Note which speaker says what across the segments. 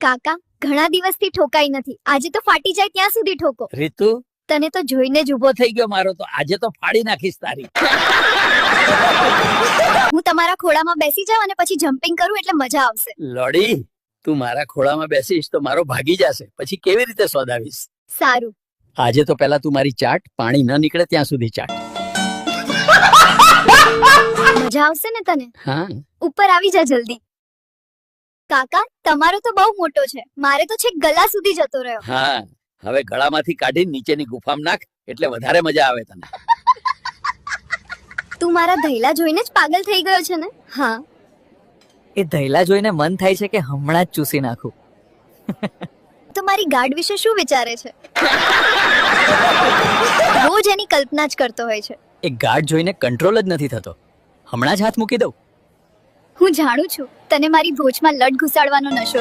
Speaker 1: કાકા ઘણા દિવસથી ઠોકાઈ નથી, આજે તો ફાટી જાય ત્યાં સુધી ઠોકો.
Speaker 2: રીતુ,
Speaker 1: તને તો જોઈને જ
Speaker 2: ઊભો થઈ ગયો મારો તો. આજે તો ફાડી નાખીશ તારી.
Speaker 1: હું તમારા ખોળામાં બેસી જાઉં અને પછી જમ્પિંગ કરું એટલે મજા આવશે.
Speaker 2: લોડી, તું મારા ખોળામાં બેસીશ તો મારો ભાગી જશે, પછી કેવી રીતે સોદાવીશ?
Speaker 1: સારું.
Speaker 2: આજે તો પહેલા તું મારી ચાટ, પાણી ન નીકળે ત્યાં સુધી ચાટ.
Speaker 1: મજા આવશે ને તને?
Speaker 2: હા,
Speaker 1: ઉપર આવી જા જલ્દી. કાકા તમારો તો બહુ મોટો છે, મારે તો છેક ગલા સુધી જતો રહ્યો.
Speaker 2: હા, હવે ગળામાંથી કાઢી નીચેની ગુફામાં નાખ એટલે વધારે મજા આવે તને.
Speaker 1: તું મારા ધૈલા જોઈને જ પાગલ થઈ ગયો છે ને? હા.
Speaker 3: એ ધૈલા જોઈને મન થાય છે કે હમણાં જ ચૂસી નાખું.
Speaker 1: તો મારી ગાર્ડ વિશે શું વિચારે છે? રોજ એની કલ્પના જ કરતો હોય છે.
Speaker 3: એ ગાઢ જોઈને કંટ્રોલ જ નથી થતો. હમણાં જ હાથ મૂકી દઉં.
Speaker 1: હું જાણું છું તને મારી ભોજમાં લડ ઘુસાડવાનો નશો.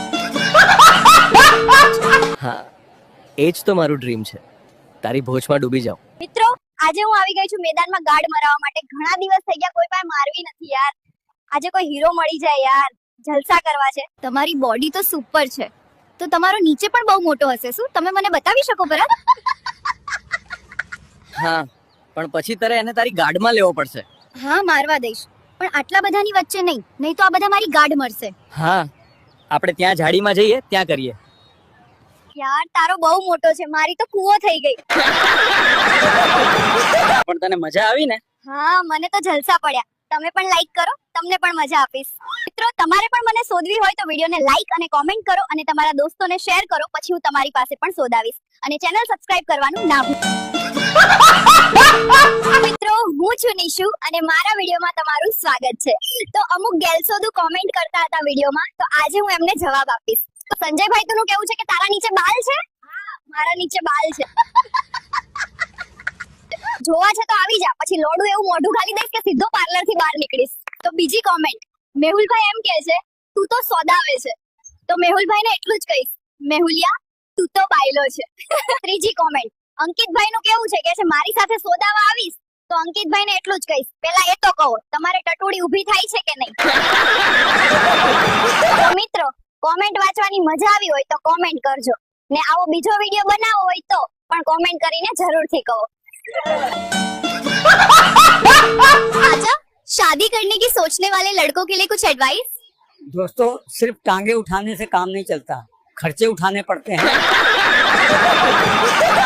Speaker 3: હા, એ જ તો મારું ડ્રીમ છે, તારી ભોજમાં ડૂબી જાઉં.
Speaker 1: મિત્રો, આજે હું આવી ગઈ છું મેદાનમાં ગાર્ડ મરાવવા માટે. ઘણા દિવસ થઈ ગયા, કોઈ પાસે મારવી નથી યાર. આજે કોઈ હીરો મળી જાય યાર, જલસા કરવા છે. તમારી બોડી તો સુપર છે, તો તમારો નીચે પણ બહુ મોટો હશે. શું તમે મને બતાવી શકો બરાબર?
Speaker 3: હા, પણ પછી તારે એને તારી ગાઢમાં લેવો પડશે.
Speaker 1: હા, મારવા દઈશ, પણ આટલા બધાની વચ્ચે નહીં, નહીં તો આ બધા મારી ગાર્ડ મરશે.
Speaker 3: હા, આપણે ત્યાં ઝાડીમાં જઈએ, ત્યાં કરીએ.
Speaker 1: યાર તારો બહુ મોટો છે, મારી તો કૂવો થઈ ગઈ.
Speaker 3: પણ તને મજા આવી ને?
Speaker 1: હા, મને તો જલસા પડ્યા. તમે પણ લાઈક કરો, તમને પણ મજા આપીશ. મિત્રો, તમારે પણ મને શોધવી હોય તો વિડીયોને લાઈક અને કોમેન્ટ કરો અને તમારા દોસ્તોને શેર કરો, પછી હું તમારી પાસે પણ શોધાવીશ. અને ચેનલ સબસ્ક્રાઇબ કરવાનું ના ભૂલતા. મિત્રો, હું છું નિશુ અને મારા વિડીયોમાં તમારું સ્વાગત છે. તો અમુક ગેલસોદુ કોમેન્ટ કરતા હતા વિડીયોમાં, તો આજે હું એમને જવાબ આપીશ. તો સંજયભાઈ નું કેવું છે કે તારા નીચે બાલ છે? મારા નીચે બાલ છે. જોવા છે તો આવી જા, પછી લોડું એવું મોઢું ખાલી દઈશ કે સીધો પાર્લર થી બહાર નીકળીશ. તો બીજી કોમેન્ટ, મેહુલભાઈ એમ કહે છે તું તો સોદાવે છે. તો મેહુલભાઈ ને એટલું જ કહીશ, મેહુલિયા તું તો બાયલો છે. ત્રીજી કોમેન્ટ, અંકિતભાઈ નું કેવું છે કે મારી સાથે સોદાવા આવીશ, તો અંકિતભાઈ ને એટલું જ કહીશ, પેલા એ તો કહો તમારે ટટોડી ઊભી થાય છે કે નહીં. તો મિત્રો, કોમેન્ટ વાંચવાની મજા આવી હોય તો કોમેન્ટ કરજો, ને આવો બીજો વિડીયો બનાવવો હોય તો પણ કોમેન્ટ કરીને જરૂરથી કહો. अच्छा, शादी करने की सोचने वाले लड़कों के लिए कुछ एडवाइस?
Speaker 4: दोस्तों, सिर्फ टांगे उठाने से काम नहीं चलता, खर्चे उठाने पड़ते हैं.